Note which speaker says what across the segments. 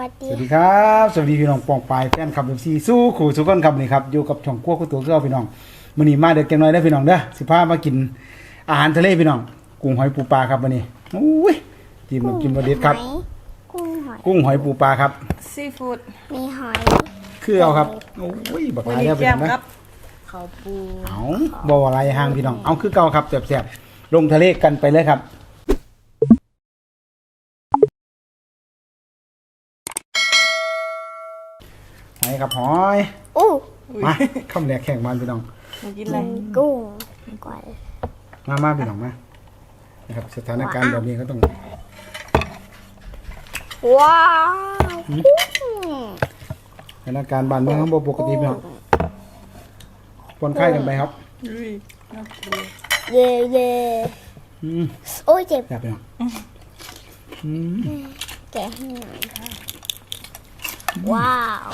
Speaker 1: สวัสดีครับสวัสดีพี่น้องปองปายแฟนคลับFCสู้ขู่สู้กันครับนี่ครับอยู่กับช่องครัวคู่ตัวเกลือพี่น้องมื้อนี้มาเด็กจังน้อยเด้อพี่น้องเด้อสิพามากินอาหารทะเลพี่น้องกุ้งหอยปูปลาครับมื้อนี้อุ้ยจิ้มน้ำจิ้มรสเด็ดครับกุ้งหอยปูปลาครับ
Speaker 2: ซีฟู้ด
Speaker 3: มีหอย
Speaker 1: คือเอาครับโอ้ยบักหลายแล้วพี่น้องนะ
Speaker 2: ข้าวปู
Speaker 1: เอาบ่อะไรห่างพี่น้องเอาคือเก่าครับแซ่บๆลงทะเลกันไปเลยครับหอยครับหอยมาคำแรกแข่งมันพี่น้อง
Speaker 2: กินอะไร
Speaker 3: กุ้งก่อน
Speaker 1: มาพี่น้องมานะครับสถานการณ์แบบนี้ก็ต้อง
Speaker 3: ว้าว
Speaker 1: สถานการณ์บ้านเมืองเขาปกติพี่น้องปนไข้กันไปครับ
Speaker 3: เย่โอ้ยเจ็บ
Speaker 1: อยากไปน้อง
Speaker 3: แกะให้หน่อยว้าว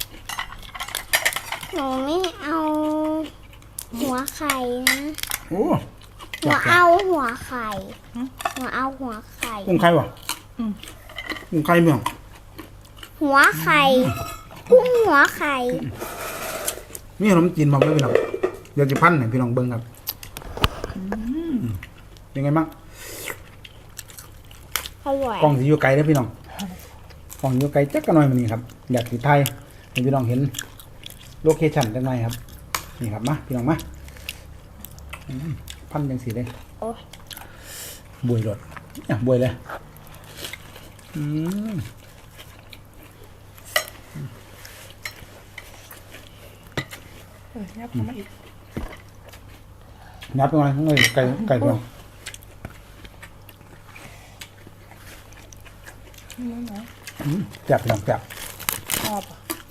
Speaker 3: หนูไม่เอาหัวไข่นะ
Speaker 1: โอ้
Speaker 3: หนูเอาหัวไข่หนูเอาหัวไข่
Speaker 1: กุ้งไข่วะกุ้งไข่พี่น้อง
Speaker 3: หัวไข่กุ้งหัวไข่
Speaker 1: มีขนมจีนมาด้วยพี่น้องเดี๋ยวจะพันให้พี่น้องเบิ้งครับเป็นไงบ้าง
Speaker 3: อร่อย
Speaker 1: กล้องสีอยู่ไกลนะพี่น้องกล้องอยู่ไกลจักกันหน่อยมันนี่ครับอยากสีไทยให้พี่น้องเห็นโลเคชั่นจังไงครับนี่ครับมาพี่น้องมาพันยังสีเลยบวยรถบวยเลย
Speaker 2: ยับมาอีก
Speaker 1: ยับไปหน่อยข้างในไก่พี่น้องจับพี่น้องจับ
Speaker 2: ชอบ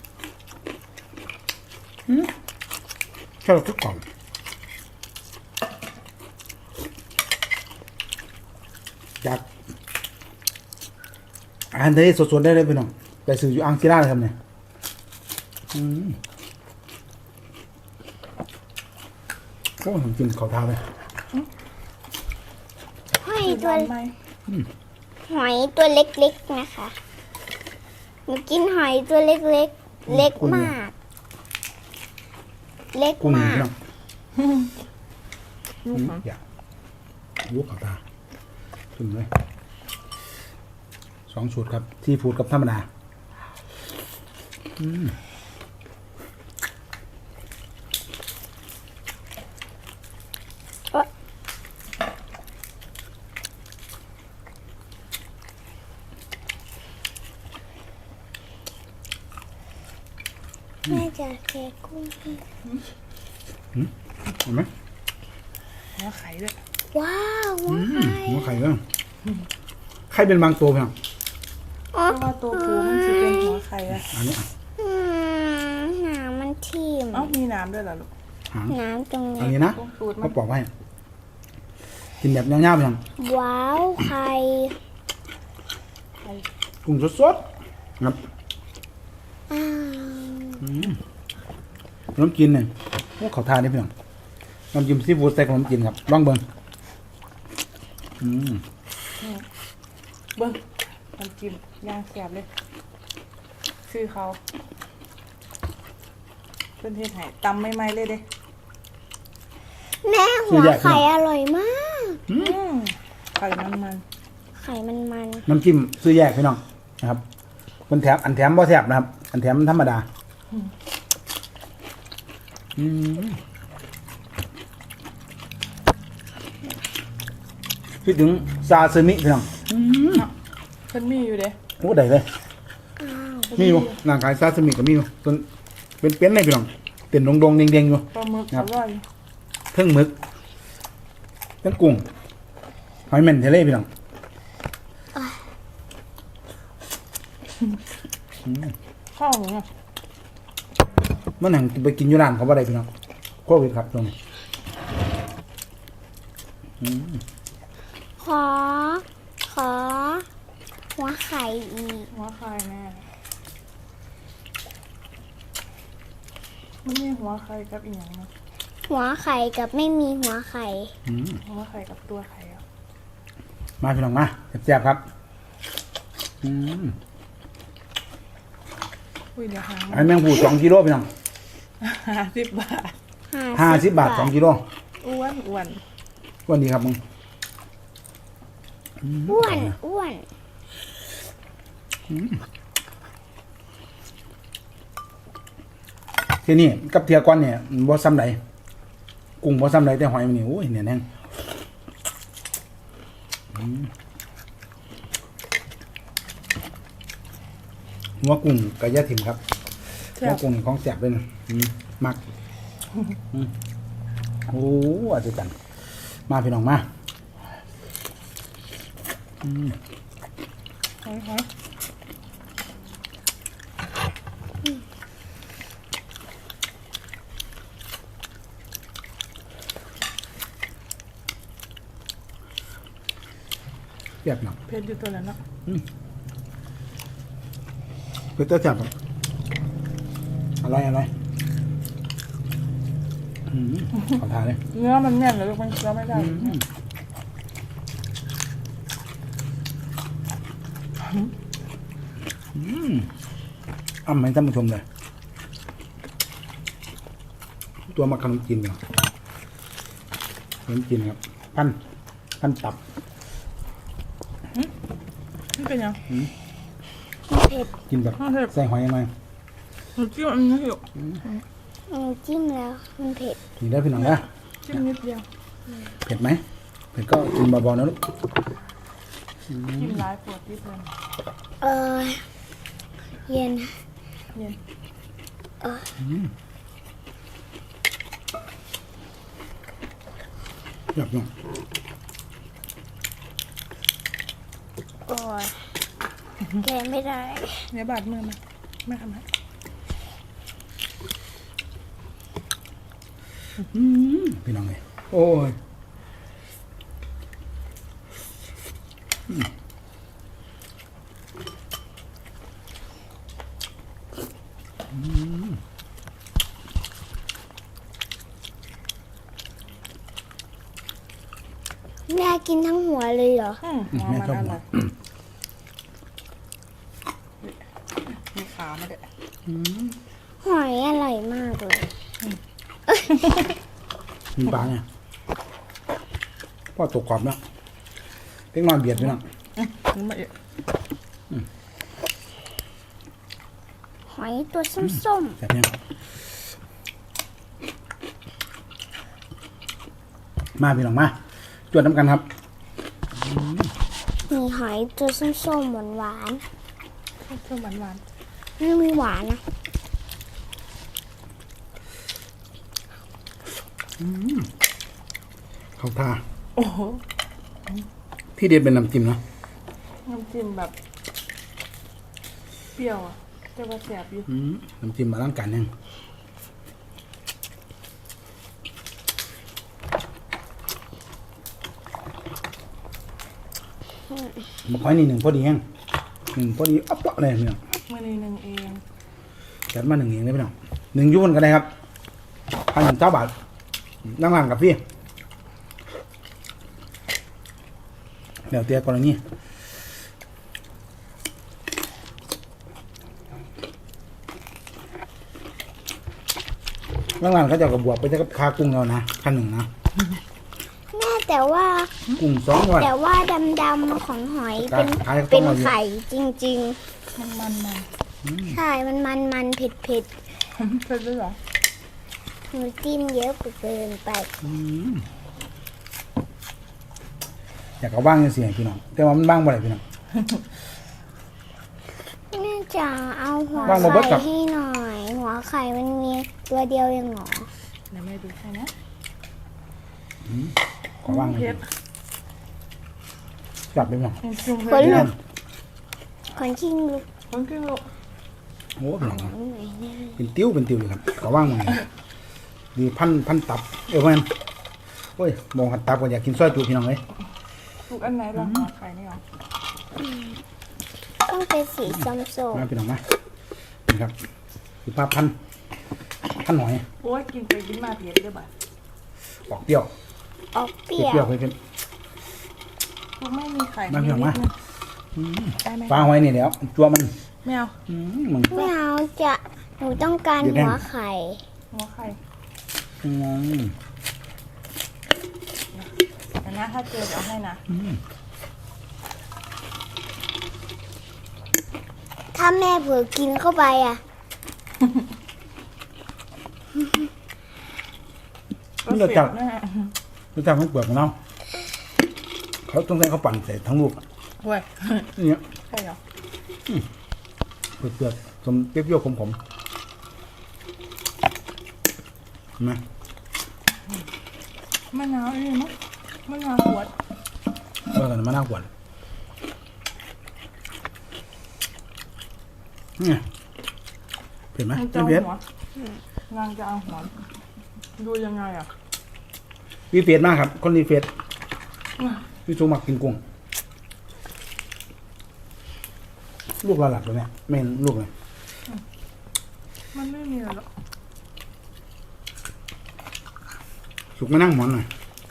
Speaker 1: ชอบทุกกล่องจากอาหารทะเลสดๆได้เลยพี่น้องไปซื้ออยู่อังกฤษเลยครับเนี่ยโอ้ผมกินข้าวเท้าเลย
Speaker 3: หอยตัวหอยตัวเล็กๆนะคะหนูกินหอยตัวเล็กๆเล็กมากเล็กมาก
Speaker 1: อยากยุกข้าวตาขึ้นเลย2 ชุดครับซีฟู้ดกับธรรมดา
Speaker 3: แม่จะแกะกุ้ง
Speaker 1: เห็นไหม
Speaker 2: หัวไข่ด้วย
Speaker 3: ว้าว
Speaker 1: หัวไข่ด้วยไข่เป็นบางตัวเพียง
Speaker 2: เพราะว่าตัวปูมันจะเป็นหัวไข่อะ
Speaker 1: อันนี้
Speaker 3: หนามันทิ่ม
Speaker 2: มีน้ำด้วยเหรอลูก
Speaker 3: น้ำตรงนี้
Speaker 1: อันนี้นะเขาปอกไว้กินแบบเงี้ยๆเพียง
Speaker 3: ว้าวไข่
Speaker 1: กุ้งสดๆครับน้ำกินเนี่ยพวกเขาทานได้เพียงน้ำจิ้มซีฟู้ดใส่ขนมจีนครับลองเบิ้ง
Speaker 2: เบิ้งน้ำจิ้มย่างแสบเลยซื้อเขาเป็นเทศไห่ตำไม่ไหมเลยเด้
Speaker 3: แม่หัวไข่อร่อยมาก
Speaker 2: ไข่มัน
Speaker 3: ไข่มัน
Speaker 1: น้ำจิ้มซื้อแยกพี่น้องนะครับมันแถมอันแถมบ่แถบนะครับอันแถมธรรมดาคิดถึงซาซิมิพี่น้อง
Speaker 2: เพิ่นมีอยู่เด้
Speaker 1: โอ้ได้เลยมีอยู่นางขายซาซิมิก็มีอยู่ต้นเป็นเลยพี่น้องเต็มดงๆเด้งๆอยู่
Speaker 2: ปลาหมึกอร่อย
Speaker 1: เพิ่งหมึกเพิ่งกุ้งหอยแมนทะเลพี่น้อง
Speaker 2: ข้าวเนี่ย
Speaker 1: มันหังไปกินอยู่ร้านเขาบ่ได้พี่น้องโควิดครับตรงนี้
Speaker 3: ขอหัวไข่อีก
Speaker 2: หัวไข่แม่ไม่มีหัวไข่กับอีกอย่างนะ
Speaker 3: หัวไข่กับไม่มีหัวไข่
Speaker 2: หัวไข่กับตัวไข่
Speaker 1: มาพี่น้องมาแซ่บๆครับ
Speaker 2: อุ้ยเดี๋ยวหาง
Speaker 1: ไอ้แมงผู้2 กิโลพี่น้อง
Speaker 2: 50 บาท
Speaker 1: 50 บาท2 กิโล
Speaker 2: อ้วน
Speaker 1: วันนี้ครับมึง
Speaker 3: อ้วน
Speaker 1: ทีนี้กับเทียก้อนเนี่ยบ่ซ้ำใดกุ้งบ่ซ้ำใดแต่หอยมันนี่โอ้ยเนี่ยแน่งหัวกุ้งกะยะถิ่มครับ
Speaker 2: แซ่
Speaker 1: หัว
Speaker 2: บ
Speaker 1: กุ้งของแซ่บเลยนะมักโอ้อาจจะจังมาพี่น้องมา
Speaker 2: หอย
Speaker 1: แซ่บหนัก
Speaker 2: เพชรอยู่ตัวแล้วเนาะ
Speaker 1: เป็นตัวจับครับอะไรขอทานเลย
Speaker 2: เนื้อมันแน่นเลยลูกมันเคี้ยวไม่ได้
Speaker 1: อ้ำให้ท่านผู้ชมเลยตัวมาขนมจีนเนี่ยขนมจีนครับพันตับ
Speaker 2: นี่เป็นยัง
Speaker 3: เผ็ด
Speaker 1: กินแบบ
Speaker 2: เผ็ด
Speaker 1: ใส่หอยยังไง
Speaker 2: หนูจิ้มอันนี้อยู่
Speaker 3: จิ้มแล้วมันเผ็ด
Speaker 1: กินได้พี่น้องนะ
Speaker 2: จิ้มนิดเดียว
Speaker 1: เผ็ดไหมเผ็ดก็กินเบาๆนะลูก
Speaker 2: จิ้มร้ายปวดที่เพลิน
Speaker 3: เออเย็น
Speaker 2: เย็น
Speaker 1: แบบนี้
Speaker 3: โอ้ยแกะไม่ได้
Speaker 2: เนื้อบาดมือมาไม่ทำให้
Speaker 1: พี่น้องเลยโอ้ย
Speaker 3: แม่กินทั้งหัวเลยเหรอ
Speaker 2: หัว
Speaker 1: แม่
Speaker 2: มัน
Speaker 1: ชอบ
Speaker 2: อ
Speaker 1: หัว
Speaker 2: ร่อยมีขามาด้วย
Speaker 3: หอยอร่อยมากเลย
Speaker 1: มีปลาเนี่ยพ่อตกกรอบแล้วเล็กน้อยเบียดพี่น้อง
Speaker 2: นี่มาเอะ
Speaker 3: หอยตัวส้ม
Speaker 1: แบบนี้มาพี่น้องมาจวดน้ำกันครับ
Speaker 3: ๆมีหอยตัวส้มๆหวาน
Speaker 2: เพิ่มหวาน
Speaker 3: ๆไม่มีหวานนะ
Speaker 1: เข้าท่า
Speaker 2: ๆโอ้โห
Speaker 1: ที่เด็ดเป็นน้ำจิ้มเนาะ
Speaker 2: น้ำจิ้มแบบ เปรี้ยวอ่ะจะว่าแสบอยู่
Speaker 1: น้ำจิ้มมาล้างกันยังมาค่อยนี่หนึ่งพอดียังหนึ่งพอดีอ๊อบเลยพี่น้อง
Speaker 2: มื่อนี้หนึ่งเอง
Speaker 1: จัดมาหนึ่งเองเลยพี่น้องหนึ่งยุ่นกันเลยครับ1,000 บาทนั่งร้านกับพี่เดี๋ยวเตี้ยกรณีนั่งร้านเขาจะกับบวกไปจะกับคากุ้งเรานะขั้นหนึ่งนะ
Speaker 3: แม่แต่ว่า
Speaker 1: กุ้ง2 วัน
Speaker 3: แต่ว่าดำๆของหอยเป็น
Speaker 1: ขายต้
Speaker 3: เป็
Speaker 1: ม
Speaker 3: น
Speaker 1: มาอยู่
Speaker 3: ไข่จริง
Speaker 2: มัน
Speaker 3: ๆ ใช่มันเผ็ด
Speaker 2: เผ็ดด้วยเหรอ
Speaker 3: ๆหนูจิ้มเยอะเกินไป
Speaker 1: อยากเอาบ้างยังเสียพี่น้องแต่ว่ามันบ้างบ่ได้พี่น้อง
Speaker 3: แม่จ๋าเอาหัว
Speaker 1: วางมาเบิด
Speaker 3: ไข่
Speaker 1: ครับ
Speaker 3: ให้หน่อย หัวไข่มันมีตัวเดียวเองเหรอ
Speaker 2: เดี๋ยวแม่ดูให้นะ
Speaker 1: ขอบ้างเลย
Speaker 2: เผ็ด
Speaker 1: จับเลยพี่น้อง
Speaker 2: จุ่ม
Speaker 3: ค
Speaker 2: เผ็
Speaker 3: น
Speaker 2: ด
Speaker 3: ลูกคนชิงลูก
Speaker 2: คนกินลูก
Speaker 1: โอ้พี่น้อง
Speaker 3: หน่อยเนี่ย
Speaker 1: เป็นติ้วเลยครับขอบ้างมาเลยดีพันตับแม่นโอ้ยมองหัดตับก็อยากกินซอยจูพี่น้องเลย
Speaker 2: ลูกอันไหนบ้างหัวไข่นี่หรอ
Speaker 3: ต้องเป็นสีส้ม
Speaker 1: มาพี่น้องมานี่ครับคือพันหน่อย
Speaker 2: โอ้ยกินไปกินมาเผ็ดด้วยบ่ะ
Speaker 1: ออกเปรี้ยว
Speaker 3: ๆออกเปรี้
Speaker 1: เปรี้
Speaker 3: ย
Speaker 1: ยว
Speaker 3: ว
Speaker 1: เผ็ด
Speaker 2: ลูกไม่มีไข่
Speaker 1: มาเพียงมา
Speaker 2: ได้ไหม
Speaker 1: ปลาหอยนี่เดี๋ยวจัวมัน
Speaker 2: ไม่เอา
Speaker 1: มึง
Speaker 3: ไม่เอาจะหนูต้องการ
Speaker 1: เดี๋ยวแน่
Speaker 3: หัวไข่
Speaker 2: หัวไข่
Speaker 1: อืม
Speaker 2: แต่นะถ้าเจอเอาให้นะ
Speaker 3: ถ้าแม่เผลอกินเข้าไปอ่ะ
Speaker 1: นี่เราจับ
Speaker 2: แม่
Speaker 1: เราจับให้เปลือกของเราเขาต้องใช้เขาปั่นใส่ทั้งลูก
Speaker 2: เว้ย
Speaker 1: เนี่ย
Speaker 2: ใช่เหรอ
Speaker 1: เปลือกๆสมเปรี้ยวๆขมๆเห็นไหม
Speaker 2: มะนาวนี่มั้งมะนาวขวด
Speaker 1: เมื่อกันมาน่ากวนเนี่ยเผ็ดไหม
Speaker 2: มันจะ
Speaker 1: ไม่
Speaker 2: เอา
Speaker 1: เผ็ด
Speaker 2: หัวนางจะเอาหัวดูยังไงอ่ะ
Speaker 1: วีเฟดมากครับ คนรีเฟดพี่จูมักกินกุ้งลูกเราหลับแล้วเนี่ยไม่เห็นลูกเลย
Speaker 2: มันไม่มีอะไรหรอก
Speaker 1: สุกมานั่งหมอนหน่อย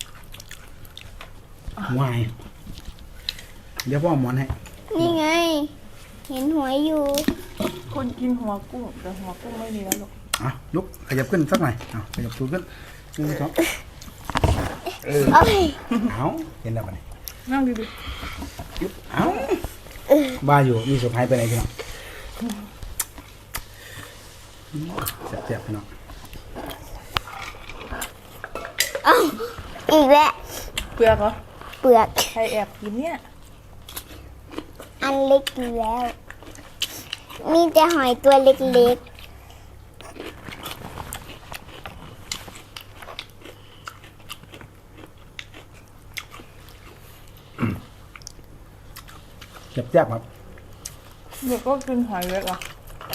Speaker 1: วายเดี๋ยวพ่อเอาหมอนให้
Speaker 3: นี่ไง เห็นหัวอยู่
Speaker 2: คนกินหัวกุ้งแต่หัวกุ้งไม่มีแล้วหรอก
Speaker 1: อ่ะลุกขยับขึ้นสักหน่อยเอาขยับตัวขึ้นหนึ่งสอง
Speaker 3: เอ้ย
Speaker 1: เอาเห็นแล้วปะเนี่ย
Speaker 2: นั่งดี
Speaker 1: ยุบเอาบ้าอยู่มีสุดท้ายไปไหนพี่น้องเจ็บๆพี่น้อง
Speaker 3: อีกแล้ว
Speaker 2: ๆเปลือกเหรอ
Speaker 3: เปลือก
Speaker 2: ใครแอบกินเนี่ย
Speaker 3: อันเล็กอยู่แล้ว มีแต่หอยตัวเล็ก
Speaker 1: เจ็บๆครับ
Speaker 2: เด็กก็กินหอยเล็กเหรอ่ะ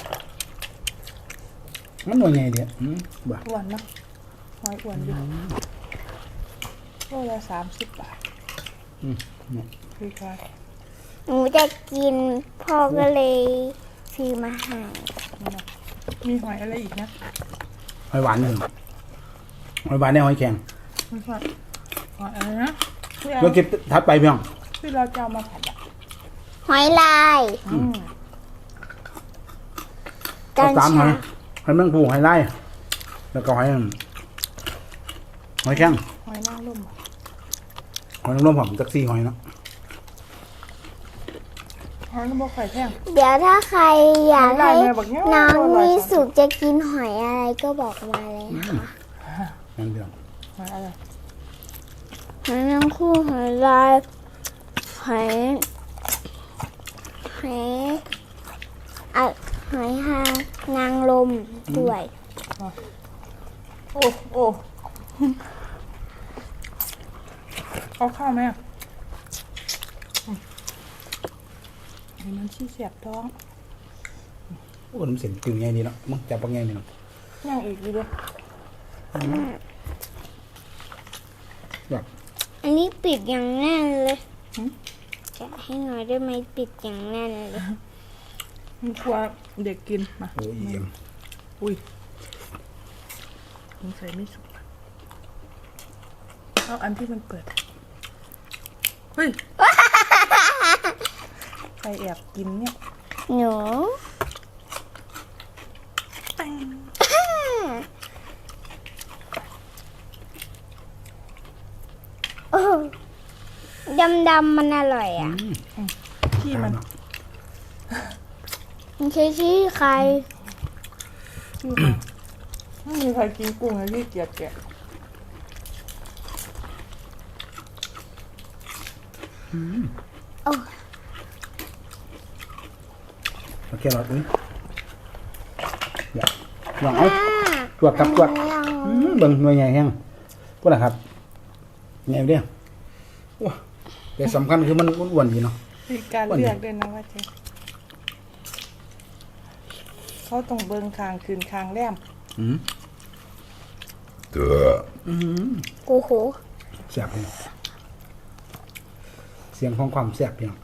Speaker 1: มันหน่วยไงเดียวบ้า
Speaker 2: อ้วนนะหอยอ้วนอยู่โลละ30 บาท
Speaker 1: เนี่ย
Speaker 2: คือใคร
Speaker 3: ๆ หนูจะกินพ่อก็เลยซื้อมาให้
Speaker 2: มีหอยอะไรอีกนะ
Speaker 1: หอยหวานหนึ่งหอยหวานในหอยแข็ง
Speaker 2: ไม่ใช่หอยอะไรนะที่
Speaker 1: เราเก็บทัดไปพี่น้อง
Speaker 2: เราจะเอามาผัดอ่ะ
Speaker 3: หอยลาย
Speaker 1: เอา
Speaker 3: กัญ
Speaker 1: สามหอ
Speaker 3: ชาย
Speaker 1: หอยแมงภูหอยไล่แล้วก็หอยแข็ง
Speaker 2: หอยนางรม
Speaker 1: หอยนางรมหอมจักซี่หอยเนาะ
Speaker 2: หอยนางรมไข่แท่ง
Speaker 3: เดี๋ยวถ้าใครอยากให้
Speaker 2: หอยลายแม่บอกเนี่ย
Speaker 3: น้อง
Speaker 2: อร่อย
Speaker 3: มี
Speaker 2: จัง
Speaker 3: สุกจะกินหอยอะไรก็บอกมาเลยค่ะ
Speaker 1: นั่นพี่น้อง
Speaker 2: หอยอะไร
Speaker 3: หอยนางคู่หอยลายหอยอะหอยหางนางลมด้วย
Speaker 2: โอ้โอ้เอาข้าวไหมอ่ะมันชี้เสียบท้อง
Speaker 1: โอ้น้ำเสียงกึ่งไงดีเนาะมึงจับปังไงพี่น้อง
Speaker 2: ย่างอีกดีเลย
Speaker 1: แบบ
Speaker 3: อันนี้ปิดอย่างแน่นเลยจะให้หน่อยได้ไหมปิดอย่างแน่นเลย
Speaker 2: มันกลัวเด็กกินมา
Speaker 1: โอ้ยเยี่ยม
Speaker 2: อุ้ยมันใส่ไม่สุกอะเอาอันที่มันเปิดเฮ้ยใครแอบกินเนี่ย
Speaker 3: หนู
Speaker 2: แป้ง
Speaker 3: โอ้ดำๆมันอร่อยอ่ะ
Speaker 2: ขี้มัน
Speaker 1: เนาะ
Speaker 3: มันใช้ชี้ใคร
Speaker 2: ขี้มันไม่มีใครกินกุ้งเลยที่เกียจแกะ
Speaker 3: โอ้
Speaker 1: โอเคเราอุ้ยอย่าลองเอาตรวจกับตรวจเบิ่งหน่วยใหญ่แห้งพวกนะครับไงเดียวว้าแต่สำคัญคือมันอ้วนๆดีเนาะ
Speaker 2: มีการเลือกด้วยนะว่าเจ๊เขาต้องเบิ่งคางคืนคางแรม
Speaker 3: โอ้โห
Speaker 1: แซ่บพี่น้องเสียงของความแซ่บพี่น้อง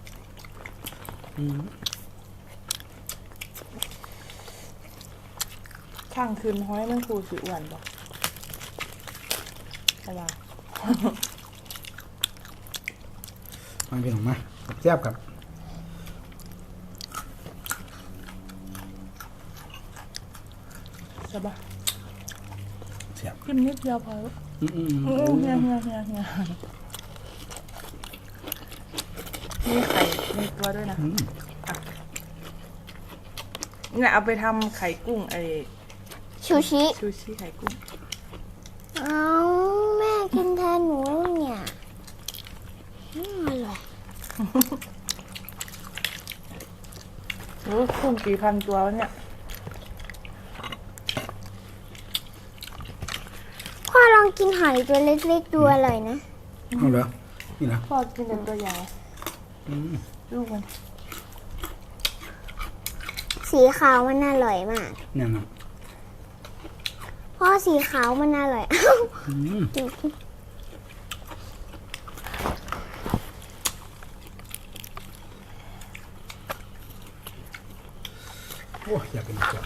Speaker 2: ข้างคืนห้อยมันครูสิอ้วนบ่อะไร
Speaker 1: มาพี่น้องมาแซ่บครับ
Speaker 2: ใช่ปะ
Speaker 1: เสียบ
Speaker 2: จิ้มนิดเดียวพอแล้ว
Speaker 1: อืม
Speaker 2: โอ้เฮียมีไข่ในตัวด้วยนะเนี่ยเอาไปทำไข่กุ้งไอ
Speaker 3: ชูชิ
Speaker 2: ชูชิไข่กุ้ง
Speaker 3: เอาแม่กินแทนหนูเนี่ยอร่อย
Speaker 2: โอ้กุ้งกี่พันตัววะเนี่ย
Speaker 3: พ่อลองกินหอยตัวเล็กๆดูอร่อยนะ
Speaker 1: เอาเหรอนี่นะ
Speaker 2: พ่อกินแต่ตัวใหญ่ลูกมัน
Speaker 3: สีขาวมันอร่อยมาก
Speaker 1: เนี่ยนะ
Speaker 3: พ่อสีขาวมันอร่อย
Speaker 1: อืมโอ้ยอยากกินจัง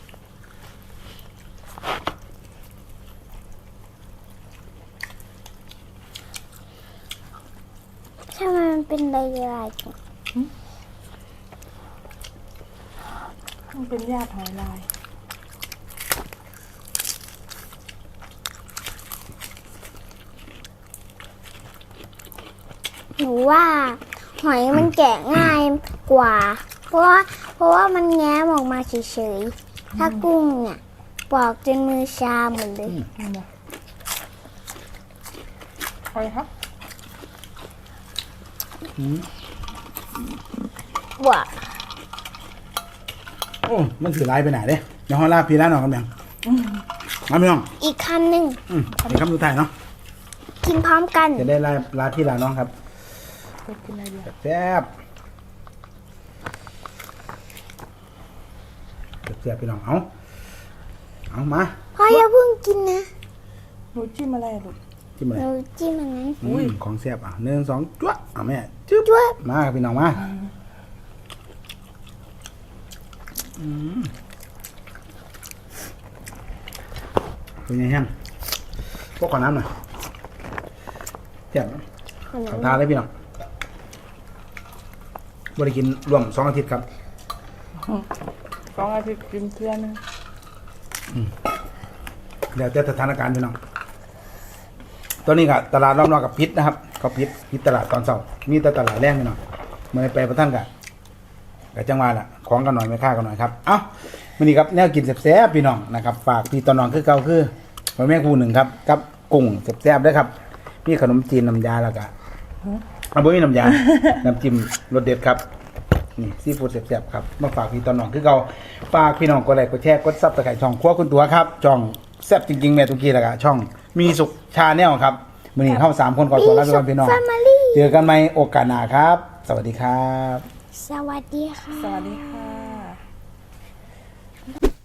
Speaker 3: ทำไมมันเป็นใบลายจัง
Speaker 2: มันเป็นญาติหอยลาย
Speaker 3: หนูว่าหอยมันแกะง่ายกว่า เพราะว่ามันแง้มออกมาเฉยๆ ถ้ากุ้งเนี่ยปอกจนมือชาหมดเลย
Speaker 2: นี่นะหอยครับ
Speaker 3: ว่า
Speaker 1: โอ้มันถือลายไปไหนเด้เดี๋ยวห้องลาพี่ร้านหน่อยกันยังมาพี่น้อง
Speaker 3: อีกคำหนึ่ง
Speaker 1: นี่คำสุดท้ายเนาะ
Speaker 3: กินพร้อมกัน
Speaker 1: จะได้ลาพี่ลาน้องครับ
Speaker 2: จะกินอะไรดี
Speaker 1: แซ่บแซ่บพี่น้องเอามา
Speaker 3: พ่ออย่าเพิ่งกินนะ
Speaker 2: หนูจิ้มอะไรอะลูก
Speaker 1: จิ้มอะไร
Speaker 3: หนูจิ้มอันนั้น
Speaker 1: ของแซ่บ1 2จ้วะแม่จึ๊บ
Speaker 3: จ้วบ
Speaker 1: มาครับพี่น้องมาเป็นไงฮะพวกขอน้ำหน่อยแซ่บขอทานเลยพี่น้องบริกินรวม2 อาทิตย์ครับ
Speaker 2: 2 อาทิตย์กินเพื่อนนึง
Speaker 1: แล้วแต่สถานการณ์พี่น้องตอนนี้ก็ตลาดรอบนอกกับพิษนะครับเขาพิษตลาดตอนเช้ามีแต่ตลาดแรงพี่น้องเมื่อไปประท่านกับจังหวะละของกันหน่อยไม่ค่ากันหน่อยครับเอ้าวันนี้ครับแนวกินแซ่บๆพี่น้องนะครับฝากพี่ตอนน้องคือเก่าคือพ่อแม่ครูหนึ่งครับกับกุ้งแซ่บๆด้วยครับมีขนมจีนน้ำยาแล้วก็เอาบ่มีน้ำยา น้ำจิ้มรสเด็ดครับนี่ซีฟู้ดแซ่บๆครับมาฝากพี่ตอนน้องคือเก่าฝากพี่น้องกดไลค์กดแชร์กดซับสไครต์ช่องครัวคุณตัวครับช่องแซ่บจริงๆแม่ตุกี้แล้วก็ช่องมีสุขชาแนลครับมื้อนี้เข้า3 คนขอตัวลาไปก่อนพี่น้อง
Speaker 3: แฟมิลี่
Speaker 1: เจอกันใหม่โอกาสหน้าครับ สวัสดีครับ
Speaker 3: สวัสดีค่ะ
Speaker 2: สวัสดีค่ะ